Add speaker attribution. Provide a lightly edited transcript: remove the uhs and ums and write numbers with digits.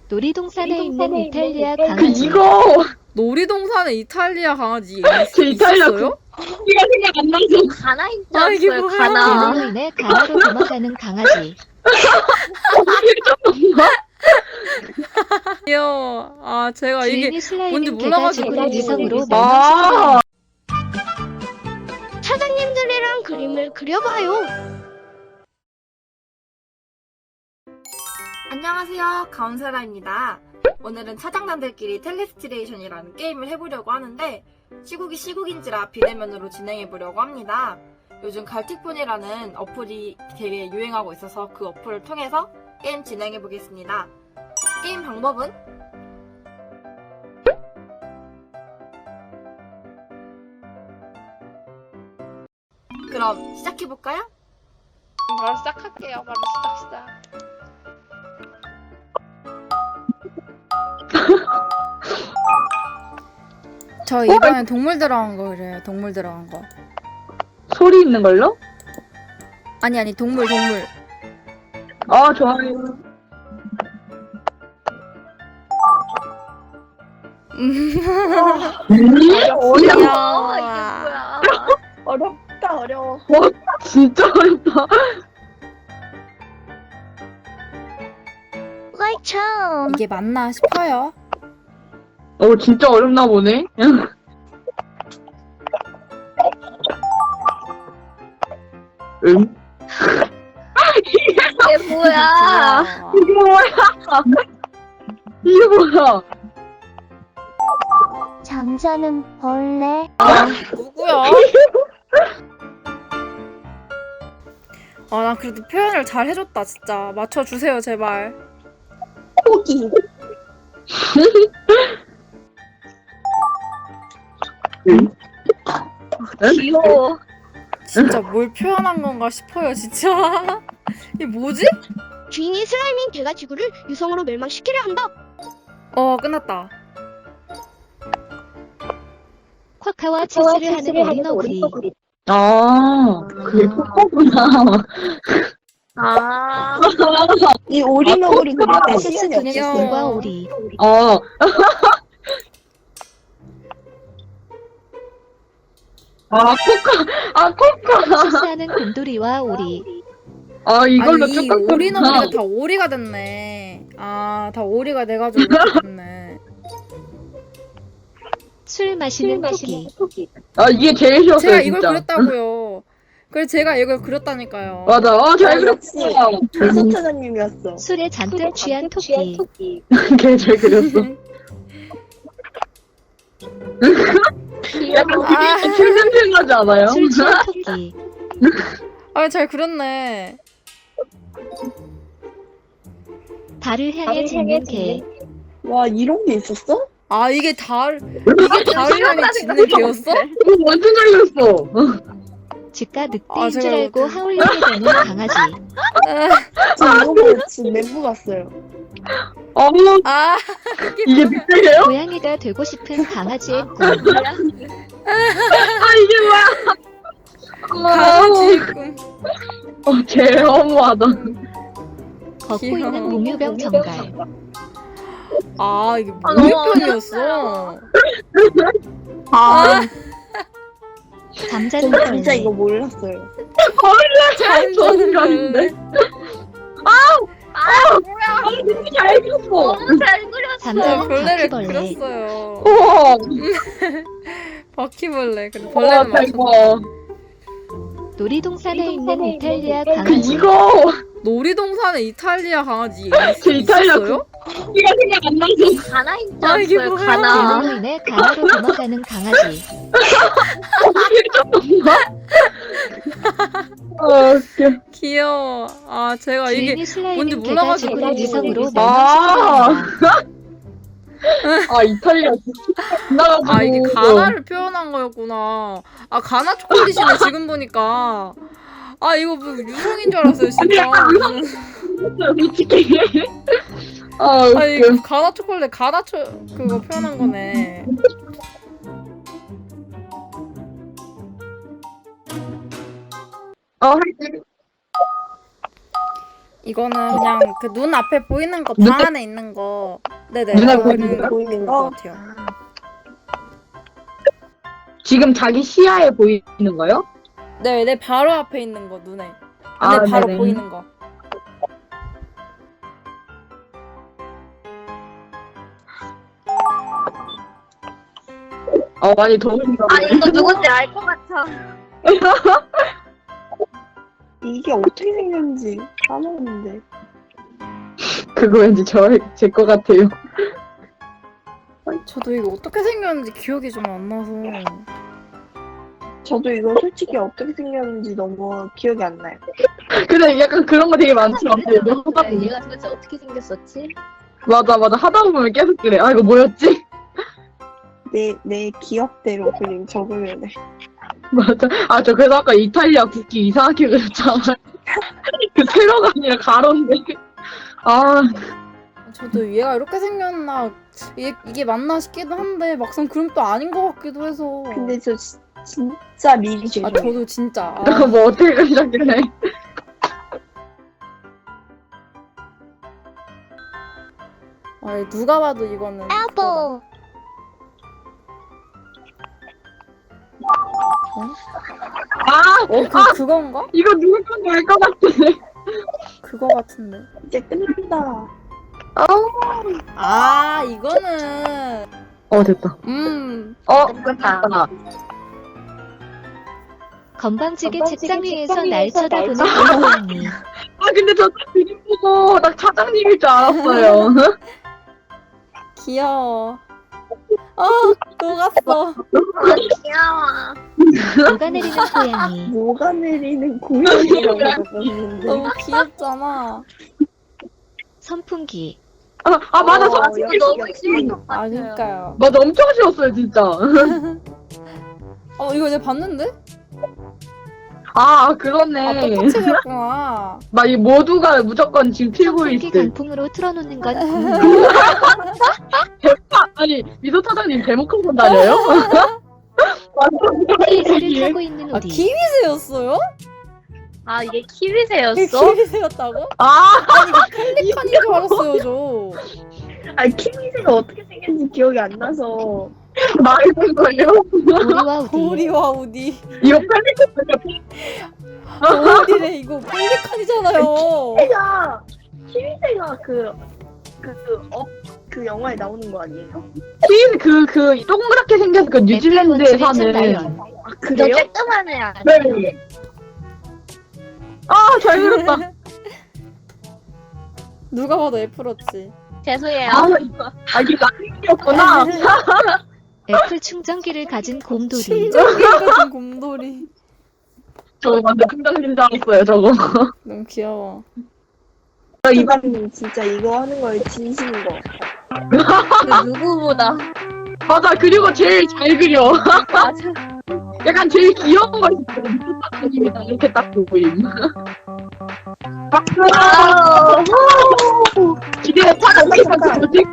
Speaker 1: 놀이동산에 있는 이탈리아 강아지.
Speaker 2: 이거
Speaker 3: 놀이동산에 이탈리아 강아지
Speaker 2: 제 이탈리아
Speaker 3: 있었어요?
Speaker 2: 이가 생각 안 나서
Speaker 4: 가나인 줄
Speaker 3: 아, 이게
Speaker 4: 알았어요.
Speaker 3: 뭐야.
Speaker 4: 가나.
Speaker 1: 계절로 인해 강화로 도망가는 강아지.
Speaker 3: 귀여워. 아 제가 이게
Speaker 1: 주인이 슬라임인
Speaker 3: 뭔지
Speaker 1: 개가
Speaker 3: 몰라가지고.
Speaker 1: 지구를 위성으로
Speaker 2: 아
Speaker 4: 사장님들이랑 그림을 그려봐요.
Speaker 5: 안녕하세요, 가운세라입니다. 오늘은 차장단들끼리 텔레스트레이션이라는 게임을 해보려고 하는데 시국이 시국인지라 비대면으로 진행해보려고 합니다. 요즘 갈틱폰이라는 어플이 되게 유행하고 있어서 그 어플을 통해서 게임 진행해보겠습니다. 게임 방법은 그럼 시작해볼까요?
Speaker 4: 바로 시작할게요. 바로 시작.
Speaker 3: 저 이번엔 동물 들어간 거 그래요. 동물 들어간 거.
Speaker 2: 소리 있는 걸로?
Speaker 3: 아니 동물.
Speaker 2: 아 좋아요.
Speaker 3: 귀여워.
Speaker 4: 어렵다, 어려워.
Speaker 2: 진짜 어렵다.
Speaker 4: 라이참.
Speaker 3: 이게 맞나 싶어요.
Speaker 2: 진짜 어렵나 보네. 응?
Speaker 4: 이게 뭐야?
Speaker 3: 귀여워.
Speaker 2: 이게 뭐야? 이게 뭐야?
Speaker 4: 잠자는 벌레.
Speaker 3: 누구야? 나 그래도 표현을 잘 해줬다 진짜. 맞춰주세요 제발.
Speaker 4: 고기. 귀여워.
Speaker 3: 진짜 뭘 표현한 건가 싶어요 진짜. 이게 뭐지?
Speaker 4: 주인이 슬라임인 개가 지구를 유성으로 멸망시키려 한다.
Speaker 3: 끝났다.
Speaker 1: 쿼카와 체스를 하는 오리너구리.
Speaker 2: 그게 코코구나.
Speaker 4: 이 오리너구리 그릴 때
Speaker 1: 체스
Speaker 4: 시간이
Speaker 1: 두뇌
Speaker 4: 없었어요.
Speaker 1: 기술과 오리.
Speaker 2: 코카.
Speaker 1: 체스하는 곰돌이와 오리.
Speaker 2: 이걸로
Speaker 3: 아니, 이
Speaker 2: 쭉
Speaker 3: 오리너구리가 다 오리가 됐네. 다 오리가 돼가지고 이렇게 됐네.
Speaker 1: 술 마시는 토끼.
Speaker 2: 이게 제일 쉬웠어요,
Speaker 3: 제가 이걸
Speaker 2: 진짜.
Speaker 3: 그렸다고요. 그래서 제가 이걸 그렸다니까요.
Speaker 2: 맞아. 잘 그렸어.
Speaker 4: 조선차장님이었어.
Speaker 1: 술에 잔뜩 취한 토끼.
Speaker 2: 걔잘 그렸어. 약간
Speaker 3: 아.
Speaker 2: 그게 술 냄새 나지 않아요?
Speaker 1: 술 취한 토끼.
Speaker 3: 잘 그렸네.
Speaker 1: 달을 향해 짖는 개.
Speaker 4: 와, 이런 게 있었어?
Speaker 3: 이게 달을 향해 짖는 개였어?
Speaker 2: 완전 잘 그렸어.
Speaker 1: 집가 늑대인
Speaker 3: 제가
Speaker 1: 줄 알고
Speaker 3: 못해.
Speaker 1: 하울링이 되는 강아지.
Speaker 4: 저 이거 보고 지금 멘붕 갔어요.
Speaker 2: 이게 늑대예요?
Speaker 1: 고양이가 되고 싶은 강아지의 꿈.
Speaker 2: 이게 뭐야?
Speaker 3: 강아지 꿈.
Speaker 2: 제일 허무하다.
Speaker 1: 걷고
Speaker 3: 귀여워.
Speaker 1: 있는 몽유병 정갈.
Speaker 3: 이게 무유병이었어.
Speaker 1: 잠자는
Speaker 4: 저 진짜
Speaker 1: 벌레.
Speaker 4: 이거 몰랐어요.
Speaker 3: 잠자는 벌레.
Speaker 2: 잘 그렸어.
Speaker 4: 잘 그렸어.
Speaker 1: 잠자는
Speaker 3: 벌레를
Speaker 1: 바퀴벌레.
Speaker 3: 그렸어요.
Speaker 2: 우와.
Speaker 3: 바퀴벌레. 그래 벌레는 맞췄네.
Speaker 2: 대박.
Speaker 1: 놀이동산에 있는 이탈리아 강아지.
Speaker 2: 이거
Speaker 3: 놀이동산에 이탈리아 강아지
Speaker 2: 제 이탈리아
Speaker 3: 있었어요?
Speaker 2: 이가 생각 안 나서.
Speaker 4: 가나인 줄
Speaker 3: 이게
Speaker 4: 알았어요.
Speaker 3: 뭐야.
Speaker 4: 가나.
Speaker 1: 계절로 인해 강화로 도망가는 강아지.
Speaker 2: 웃겨.
Speaker 3: 귀여워. 제가 이게
Speaker 1: 주인이 슬라임인
Speaker 3: 뭔지
Speaker 1: 개가
Speaker 3: 몰라가지고.
Speaker 1: 지구를 위성으로
Speaker 2: 아.
Speaker 1: 멸망시키려
Speaker 2: 이탈리아 나가지고.
Speaker 3: 이게 가나를 표현한 거였구나. 가나 초콜릿이네 지금 보니까. 이거 뭐 유성인 줄 알았어요 진짜.
Speaker 2: 솔직히.
Speaker 3: 이거
Speaker 2: 웃겨.
Speaker 3: 가나 초콜릿 그거 표현한 거네. 이거는 그냥 그 눈 앞에 보이는 거, 방
Speaker 2: 눈에-
Speaker 3: 안에 있는 거. 네네.
Speaker 2: 눈에
Speaker 3: 그거는
Speaker 2: 보이는
Speaker 3: 것 같아요.
Speaker 2: 지금 자기 시야에 보이는 거요?
Speaker 3: 네, 내 바로 앞에 있는 거, 눈에.
Speaker 2: 아,
Speaker 3: 눈에 바로
Speaker 2: 네네.
Speaker 3: 보이는 거.
Speaker 2: 많이 더운가
Speaker 4: 아
Speaker 2: 보네.
Speaker 4: 이거 누군지 알 것 같아.
Speaker 6: 이게 어떻게 생겼는지 까먹었는데.
Speaker 2: 그거 왠지 제 거 같아요.
Speaker 3: 저도 이거 어떻게 생겼는지 기억이 좀 안 나서.
Speaker 6: 저도 이거 솔직히 어떻게 생겼는지 너무 기억이 안 나요.
Speaker 2: 근데 약간 그런 거 되게 많죠. 하다 보면.
Speaker 1: 얘가 도대체 어떻게 생겼었지?
Speaker 2: 맞아. 하다 보면 계속 그래. 아, 이거 뭐였지?
Speaker 6: 내 기억대로 그냥 적으면 돼.
Speaker 2: 맞아. 아, 저 그래서 아까 이탈리아 국기 이상하게 그렸잖아. 그 세로가 아니라 가로인데. 아,
Speaker 3: 저도 얘가 이렇게 생겼나, 이게 맞나 싶기도 한데, 막상 그럼 또 아닌 것 같기도 해서.
Speaker 6: 근데 저 진짜 미리
Speaker 3: 아,
Speaker 6: 죄송해요.
Speaker 3: 저도 진짜.
Speaker 2: 내가 뭐 어떻게 그리셨길래.
Speaker 3: 누가 봐도 이거는.
Speaker 4: 아보.
Speaker 2: 아,
Speaker 3: 그건가?
Speaker 2: 이거 누구 건지 알 것 같아.
Speaker 3: 그거 같은데.
Speaker 6: 이제 끝난다.
Speaker 3: 아, 이거는.
Speaker 2: 됐다. 끝났다.
Speaker 1: 건방지게 책상 위에서 날 쳐다보는 고양이.
Speaker 2: 아, 근데 저 그림 보고 나 차장님일 줄 알았어요.
Speaker 3: 귀여워. 녹았어.
Speaker 4: 귀여워.
Speaker 1: 녹아내리는 고양이.
Speaker 6: 녹아내리는 고양이라고 적었는데.
Speaker 3: 너무 귀엽잖아.
Speaker 1: 선풍기.
Speaker 2: 맞아. 저
Speaker 6: 여기
Speaker 4: 너무 쉬운 것
Speaker 3: 아,
Speaker 4: 같아요.
Speaker 3: 그니까요.
Speaker 2: 맞아, 엄청 쉬웠어요, 진짜.
Speaker 3: 이거 내가 봤는데?
Speaker 2: 그렇네.
Speaker 3: 똑같이 그렸구나.
Speaker 2: 막 이 모두가 무조건 지금 틀고
Speaker 1: 선풍기
Speaker 2: 있을.
Speaker 1: 강풍으로 틀어놓는 건
Speaker 2: 아니, 미소 차장님 데모컨 다녀요?
Speaker 1: 케이스를 타고 있는 우리.
Speaker 3: 키위새였어요?
Speaker 4: 아 이게
Speaker 3: 이게
Speaker 4: 키위새였어?
Speaker 3: 키위새였다고?
Speaker 2: 아,
Speaker 3: 펠리칸인 줄 알았어요, 저.
Speaker 6: 아니 키위새가 어떻게 생겼는지 기억이 안 나서.
Speaker 2: 말해볼걸요?
Speaker 1: 우리와 우디.
Speaker 3: 오리와 우디.
Speaker 2: 이거 펠리컨
Speaker 3: 오리래, 이거 펠리칸이잖아요.
Speaker 6: 키위새가 그 영화에 나오는 거 아니에요?
Speaker 2: 그 동그랗게 생겨서 그 뉴질랜드에
Speaker 1: 애플워치를
Speaker 2: 사는.
Speaker 1: 라이언.
Speaker 6: 아
Speaker 4: 너
Speaker 6: 그래요?
Speaker 4: 쬐끄만 애 아니야?
Speaker 2: 네. 잘 그렸다.
Speaker 3: 누가 봐도 애플워치.
Speaker 4: 죄송해요.
Speaker 2: 이게 나이였구나.
Speaker 1: 애플 충전기를 가진 곰돌이.
Speaker 3: 심장기를 가진 곰돌이.
Speaker 2: 저 완전 긍정진 줄 알았어요, 저거.
Speaker 3: 너무 귀여워.
Speaker 6: 이반님 진짜 이거 하는 거에 진심인 거.
Speaker 4: 그 누구보다.
Speaker 2: 맞아, 그리고 제일 잘 그려.
Speaker 4: 맞아.
Speaker 2: 약간 제일 귀여운 거 있어요. 미소타님이다 이렇게 딱 보임. 박수! 기대해, 차가 어떻게